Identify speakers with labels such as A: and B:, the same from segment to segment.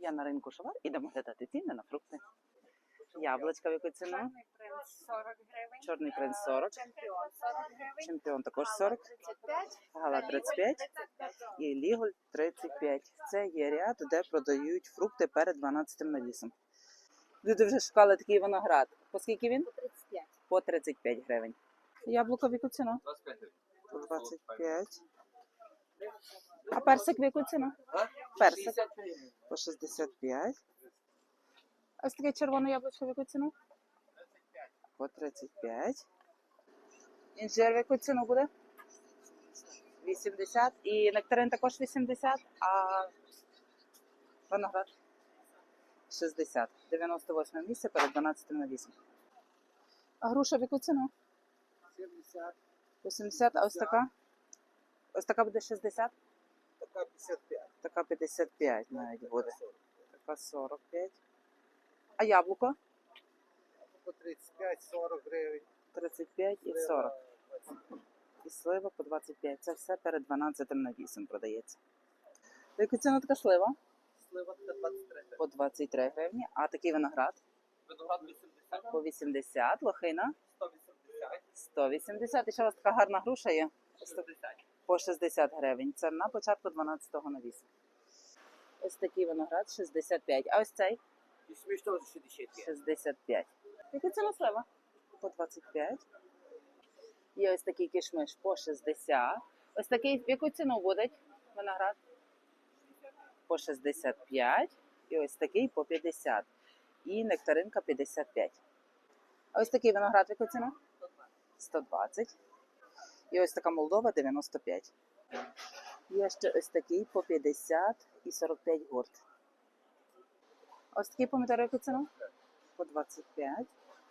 A: Я на ринку Шовар, ідемо глядати ціни на фрукти. Яблучка в яку ціну?
B: Чорний принц 40 гривень.
A: Чорний принц 40.
B: Чемпіон 40 гривень.
A: Чемпіон також 40.
B: 35.
A: Гала 35.
B: 35.
A: І Ліголь 35. Це є ряд, де продають фрукти перед 12-м навісом. Люди вже шукали такий виноград. По скільки він?
B: 35.
A: По 35 гривень. Яблуко в яку ціну?
C: 25 гривень.
A: По 25. А персик в яку ціну? Персик. По 65. Ось таке червоне яблучко в яку ціну? По 35. Інжир в яку ціну буде? 80. І нектарин також 80, а виноград 60. 98 місце перед 12 навісом. А груша в яку ціну?
C: 70.
A: 80, а ось така? Ось така буде 60?
C: Така 55.
A: Така 55 навіть буде. Така 45. А яблуко?
C: По 35-40 гривень.
A: 35 і 40. І слива по 25. Це все перед 12 навісом продається. В яку ціну така слива?
C: Слива 23
A: По 23 гривні. А такий виноград?
C: Виноград 80.
A: По 80. Лохина?
C: 180.
A: 180. І ще у вас така гарна груша є?
C: 60.
A: По 60 гривень. Це на початку 12-го навісу. Ось такий виноград 65. А ось цей?
C: І смішно 65.
A: 65. Яка ціна слива? По 25. Є ось такий кишмиш по 60. Ось такий, в яку ціну буде виноград? По 65. І ось такий по 50. І нектаринка 55. А ось такий виноград в яку ціну? 120. І ось така Молдова 95. Є ще ось такий по 50 і 45 гурт. Ось такий помідор в яку ціну? По 25.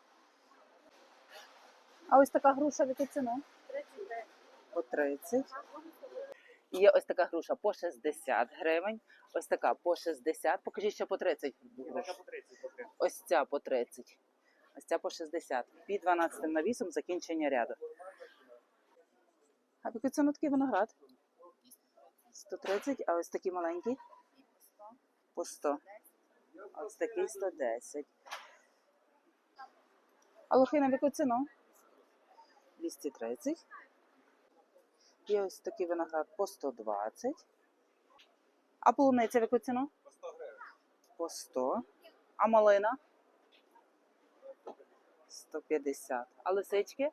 A: А ось така груша в яку ціну?
B: 39.
A: По 30. Є ось така груша по 60 гривень. Ось така по 60. Покажіть, що по 30 груш.
C: Така по 30.
A: Ось ця по 30. Ось ця по 60. Під 12 навісом закінчення ряду. А в яку ціну такий виноград? 130. А ось такий маленький? По 100. А ось такий 110. А лохина в яку ціну? 230. Є ось такий виноград по 120. А полуниця в яку ціну?
C: По 100 гривень.
A: По 100. А малина? 150. А лисички?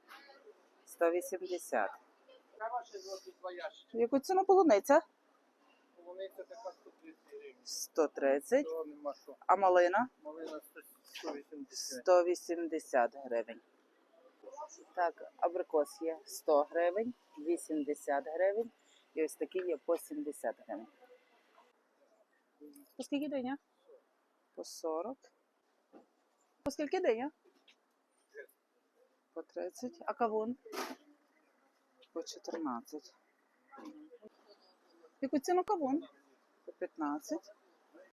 A: 180.
C: Кава ще зробить 2 ящики.
A: В яку ціну полуниця?
C: Полуниця така 130 гривень.
A: 130.
C: То нема що.
A: А малина?
C: Малина 180.
A: 180 гривень. Так, абрикос є 100 гривень, 80 гривень. І ось такі є по 70 гривень. По скільки диня? По 40. По скільки диня? По 30. А кавун? По 14. Яку ціну кавун? По 15.